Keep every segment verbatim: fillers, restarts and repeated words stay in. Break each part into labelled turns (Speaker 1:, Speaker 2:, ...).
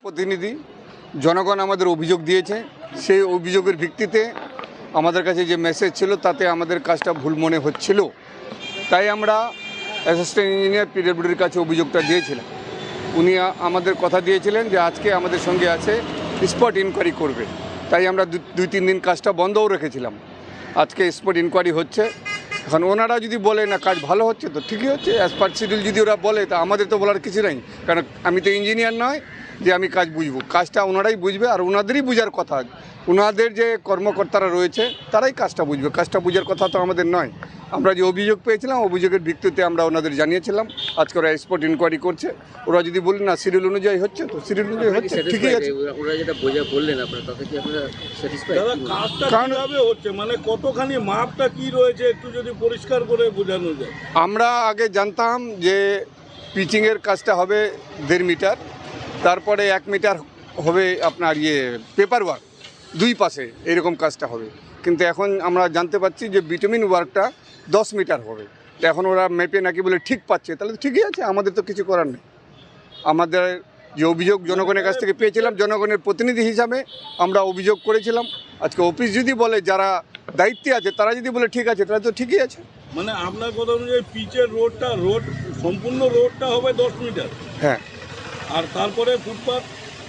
Speaker 1: প্রতিনিধি জনগণ আমাদের অভিযোগ দিয়েছে, সেই অভিযোগের ভিত্তিতে আমাদের কাছে যে মেসেজ ছিল তাতে আমাদের কাজটা ভুল মনে হচ্ছিল, তাই আমরা অ্যাসিস্ট্যান্ট ইঞ্জিনিয়ার পিডব্লিউডির কাছে অভিযোগটা দিয়েছিলাম। উনি আমাদের কথা দিয়েছিলেন যে আজকে আমাদের সঙ্গে আছে, স্পট ইনকোয়ারি করবে, তাই আমরা দুই তিন দিন কাজটা বন্ধও রেখেছিলাম। আজকে স্পট ইনকোয়ারি হচ্ছে। এখন ওনারা যদি বলে না কাজ ভালো হচ্ছে তো ঠিকই হচ্ছে, অ্যাজ পার শিডিউল যদি ওরা বলে তা আমাদের তো বলার কিছু নেই, কারণ আমি তো ইঞ্জিনিয়ার নয় যে আমি কাজ বুঝবো, কাজটা ওনারাই বুঝবে আর ওনাদেরই বুঝার কথা। ওনাদের যে কর্মকর্তারা রয়েছে তারাই কাজটা বুঝবে, কাজটা বুঝার কথা তো আমাদের নয়। আমরা যে অভিযোগ পেয়েছিলাম অভিযোগের ভিত্তিতে আমরা ওনাদের জানিয়েছিলাম, আজকে ওরা স্পট ইনকোয়ারি করছে। ওরা যদি বলেন না শিডিউল অনুযায়ী হচ্ছে তো শিডিউল অনুযায়ী হচ্ছে, ঠিকই আছে।
Speaker 2: ওরা যেটা বোঝা বললেন আপনারা, তাতে কি আপনারা স্যাটিসফাইড?
Speaker 3: দাদা কাজটা কিভাবে হচ্ছে, মানে কতখানি মাপটা কি রয়েছে একটু যদি পরিষ্কার করে বোঝানো যায়।
Speaker 1: আমরা আগে জানতাম যে পিচিংয়ের কাজটা হবে দেড় মিটার, তারপরে এক মিটার হবে আপনার ইয়ে পেপার ওয়ার্ক, দুই পাশে এরকম কাজটা হবে। কিন্তু এখন আমরা জানতে পারছি যে বিটুমিন ওয়ার্কটা দশ মিটার হবে। তো এখন ওরা মেপে নাকি বলে ঠিক পাচ্ছে, তাহলে তো ঠিকই আছে, আমাদের তো কিছু করার নেই। আমাদের যে অভিযোগ জনগণের কাছ থেকে পেয়েছিলাম, জনগণের প্রতিনিধি হিসাবে আমরা অভিযোগ করেছিলাম। আজকে অফিস যদি বলে যারা দায়িত্বে আছে তারা যদি বলে ঠিক আছে, তাহলে তো ঠিকই আছে।
Speaker 3: মানে আপনার কথা অনুযায়ী পিচের রোডটা রোড সম্পূর্ণ রোডটা হবে দশ মিটার,
Speaker 1: হ্যাঁ।
Speaker 3: আর তারপরে ফুটপাথ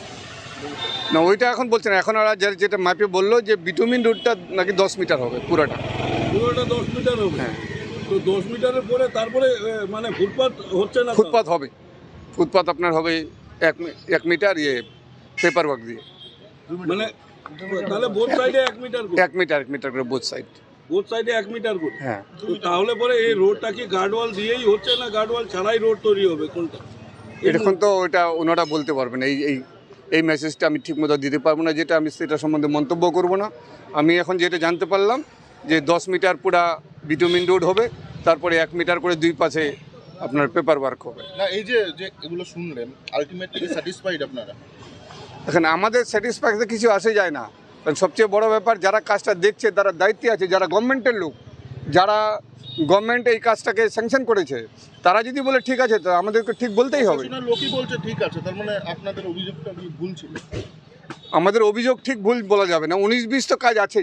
Speaker 1: না ওইটা এখন বলছে না, এখন ওরা যেটা ম্যাপে বললো যে বিটুমিন রোডটা নাকি দশ মিটার হবে পুরোটা,
Speaker 3: পুরোটা দশ মিটার হবে।
Speaker 1: হ্যাঁ।
Speaker 3: তো দশ মিটারের পরে তারপরে মানে ফুটপাথ হচ্ছে না?
Speaker 1: ফুটপাথ হবে, ফুটপাথ আপনার হবে এক এক মিটার ইয়ে পেপার ওয়ার্ক দিয়ে,
Speaker 3: মানে তাহলে বোথ সাইডে এক মিটার করে,
Speaker 1: এক মিটার এক মিটার করে বোথ সাইড,
Speaker 3: বোথ সাইডে এক মিটার করে।
Speaker 1: হ্যাঁ।
Speaker 3: তো তাহলে পরে এই রোডটা কি গার্ডওয়াল দিয়েই হচ্ছে না গার্ডওয়াল ছাড়াই রোড তৈরি হবে, কোনটা?
Speaker 1: এখন তো ওটা ওনারা বলতে পারবেন। এই এই এই মেসেজটা আমি ঠিকমতো দিতে পারবো না, যেটা আমি সেটা সম্বন্ধে মন্তব্য করব না। আমি এখন যেটা জানতে পারলাম যে দশ মিটার পুরা বিটুমিন রোড হবে, তারপরে এক মিটার করে দুই পাশে আপনার পেপার ওয়ার্ক হবে।
Speaker 4: না এই যে যে এগুলো শুনলেন, আলটিমেটলি স্যাটিসফাইড আপনারা?
Speaker 1: এখন আমাদের স্যাটিসফ্যাকশন কিছু আসে যায় না, কারণ সবচেয়ে বড় ব্যাপার যারা কাজটা দেখছে তারা দায়িত্বে আছে, যারা গভর্নমেন্টের লোক, যারা গভর্নমেন্ট এই কাজটাকে স্যাংশন করেছে, তারা যদি বলে ঠিক আছে তো আমাদেরকে ঠিক বলতেই হবে।
Speaker 4: লোকই বলছে ঠিক আছে, তার মানে আপনাদের অভিযোগটা ভুল ছিল?
Speaker 1: আমাদের অভিযোগ ঠিক ভুল বলা যাবে না, উনিশ বিশ তো কাজ আছেই।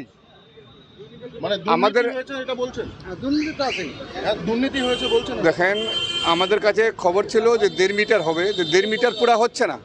Speaker 4: মানে
Speaker 1: আমাদের
Speaker 4: হয়েছে এটা বলছেন? দুর্নীতি তো আছে, দুর্নীতি হয়েছে বলছেন?
Speaker 1: দেখেন আমাদের কাছে খবর ছিল যে দেড় মিটার হবে, যে দেড় মিটার পুরা হচ্ছে না,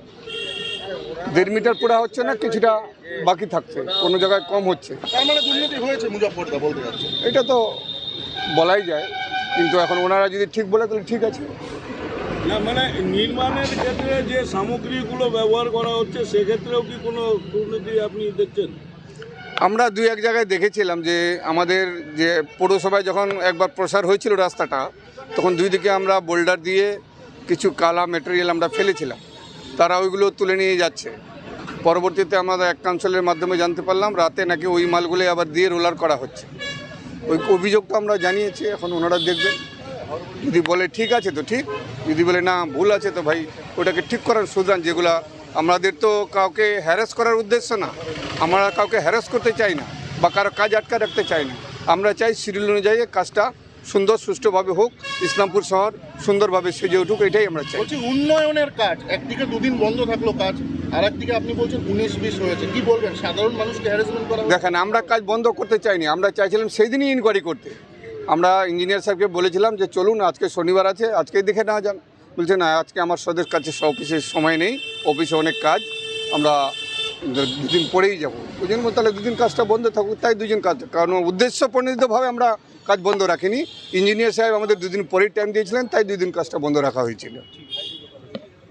Speaker 1: দেড় মিটার পুরা হচ্ছে না, কিছুটা বাকি থাকছে, কোনো জায়গায় কম হচ্ছে।
Speaker 4: তার মানে দুর্নীতি হয়েছে মুজফ্ফরদা বলতে যাচ্ছে?
Speaker 1: এটা তো বলাই যায়, কিন্তু এখন ওনারা যদি ঠিক বলে তাহলে ঠিক আছে।
Speaker 3: না মানে নির্মাণের ক্ষেত্রে যে সামগ্রীগুলো ব্যবহার করা হচ্ছে সেক্ষেত্রেও কি কোনো দুর্নীতি আপনি দেখছেন?
Speaker 1: আমরা দুই এক জায়গায় দেখেছিলাম যে আমাদের যে পৌরসভায় যখন একবার প্রসার হয়েছিল রাস্তাটা, তখন দুই দিকে আমরা বোল্ডার দিয়ে কিছু কালা মেটেরিয়াল আমরা ফেলেছিলাম, তারা ওইগুলো তুলে নিয়ে যাচ্ছে। পরবর্তীতে আমাদের এক কাউন্সিলের মাধ্যমে জানতে পারলাম রাতে নাকি ওই মালগুলো আবার দিয়ে রোলার করা হচ্ছে। ওই অভিযোগটা আমরা জানিয়েছি, এখন ওনারা দেখবেন, যদি বলে ঠিক আছে তো ঠিক, যদি বলে না ভুল আছে তো ভাই ওটাকে ঠিক করার সুধান। যেগুলা আমাদের তো কাউকে হ্যারাস করার উদ্দেশ্য না, আমরা কাউকে হ্যারাস করতে চাই না বা কারো কাজ আটকা রাখতে চাই না। আমরা চাই শিডিউল অনুযায়ী কাজটা সুন্দর সুষ্ঠুভাবে হোক, ইসলামপুর শহর সুন্দরভাবে সেজে উঠুক, এটাই আমরা চাই।
Speaker 4: বলছি উন্নয়নের কাজ একদিকে দুদিন বন্ধ থাকলো কাজ, আর একদিকে আপনি বলছেন উনিশ বিশ হয়েছে, কি বলবেন? সাধারণ মানুষকে হ্যারাসমেন্ট করা?
Speaker 1: দেখেন আমরা কাজ বন্ধ করতে চাইনি, আমরা চাইছিলাম সেই দিনই ইনকোয়ারি করতে। আমরা ইঞ্জিনিয়ার সাহেবকে বলেছিলাম যে চলুন আজকে শনিবার আছে, আজকেই দেখে নেওয়া যান। বলছে না আজকে আমার সদের কাছে অফিসের সময় নেই, অফিসে অনেক কাজ, আমরা দুদিন পরেই যাবো। ওই জন্য তাহলে দুদিন কাজটা বন্ধ থাকুক, তাই দুদিন কাজ, কারণ উদ্দেশ্য প্রণোদিতভাবে আমরা কাজ বন্ধ রাখিনি। ইঞ্জিনিয়ার সাহেব আমাদের দুদিন পরেই টাইম দিয়েছিলেন, তাই দুদিন কাজটা বন্ধ রাখা হয়েছিল।